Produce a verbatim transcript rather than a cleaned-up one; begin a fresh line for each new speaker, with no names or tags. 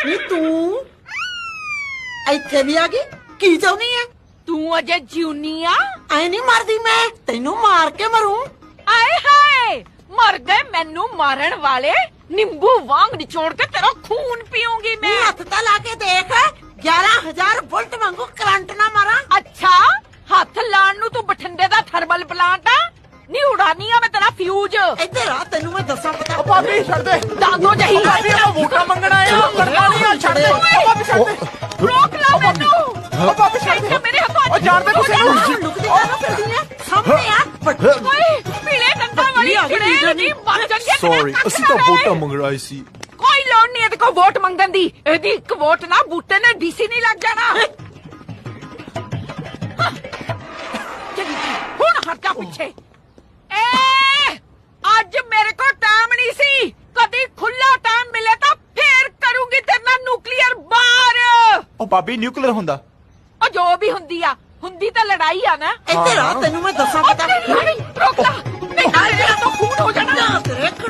ਨੀ ਤੂੰ ਇੱਥੇ ਵੀ ਆ ਗਈ ਕੀ ਚਾਹੁੰਦੀ ਐ
ਤੂੰ ਅਜੇ ਜਿਉਨੀ ਆ
ਐ ਨਹੀਂ ਮਰਦੀ ਮੈਂ ਤੈਨੂੰ ਮਾਰ ਕੇ ਮਰੂੰ
ਆਏ ਹਾਏ ਮਰ ਗਏ ਮੈਨੂੰ ਮਾਰਨ ਵਾਲੇ ਨਿੰਬੂ ਵਾਂਗ ਨਿਚੋੜ ਕੇ ਤੇਰਾ ਖੂਨ ਪੀਉਂਗੀ
ਨੀ
ਮੈਂ
ਹੱਥ ਤਾਂ ਲਾ ਕੇ ਦੇਖ ਗਿਆਰਾਂ ਹਜ਼ਾਰ ਵੋਲਟ ਵਾਂਗੂ ਕਰੰਟ ਨਾ ਮਾਰਾਂ
ਅੱਛਾ ਹੱਥ ਲਾਣ ਨੂੰ ਤੂੰ ਬਠਿੰਡੇ ਦਾ ਥਰਮਲ ਪਲਾਂਟ ਆ ਨੀ ਉਡਾਨੀ ਆ ਮੈਂ ਤੇਰਾ ਫਿਊਜ਼
ਇੱਧਰ ਆ ਤੈਨੂੰ ਮੈਂ ਦੱਸਾਂ ਪਤਾ
ਭਾਬੀ ਛੱਡ ਦੇ
ਦਾਦੋ ਜਹੀ
ਭਾਬੀ ਆਪਾਂ ਵੋਟਾਂ ਮੰਗਣ ਆਏ ਆ ਕਰਨਾ ਨਹੀਂ ਆ ਛੱਡ ਦੇ ਭਾਬੀ ਛੱਡ ਦੇ
ਰੋਕ ਲਾ ਮੈਨੂੰ
ਉਹ ਭਾਬੀ ਛੱਡ ਦੇ
ਮੇਰੇ ਹੱਥੋਂ
ਉਹ ਜਾਣਦੇ ਤੁਸੀਂ
ਆਹ ਲੁਕਦੀ ਕਾਹਨੂੰ ਫਿਰਦੀ ਐ ਸਾਹਮਣੇ ਆ ਵੱਡੀ
ਓਏ ਪੀਲੇ ਦੰਦਾਂ ਵਾਲੀ ਚੜੇਲ ਦੀ ਮਰ ਜਾਂਦੀ
ਸੌਰੀ ਅਸੀਂ ਤਾਂ ਵੋਟਾਂ ਮੰਗ ਰਹੇ ਸੀ
ਕੋਈ ਲੋੜ ਨਹੀਂ ਇਹਦੇ ਕੋਲ ਵੋਟ ਮੰਗਣ ਦੀ ਇਹਦੀ ਇੱਕ ਵੋਟ ਨਾ ਬੂਟੇ ਨੇ ਡੀਸੀ ਨਹੀਂ ਲੱਗ ਜਾਣਾ ਹੁਣ ਹਟ ਜਾ ਪਿੱਛੇ ਏ ਅੱਜ ਮੇਰੇ ਕੋਲ ਟਾਈਮ ਨਹੀਂ ਸੀ ਕਦੀ ਖੁੱਲਾ ਟਾਈਮ ਮਿਲੇ ਤਾਂ ਫੇਰ ਕਰੂੰਗੀ ਤੇਰੇ ਨਾਲ ਨਿਊਕਲੀਅਰ ਬਾਰ
ਉਹ ਭਾਬੀ ਨਿਊਕਲੀਅਰ ਹੁੰਦਾ
ਉਹ ਜੋ ਵੀ ਹੁੰਦੀ ਆ ਹੁੰਦੀ ਤਾਂ ਲੜਾਈ ਆ ਨਾ
ਇੱਧਰ ਆ ਤੈਨੂੰ ਮੈਂ ਦੱਸਾਂ
ਉਹ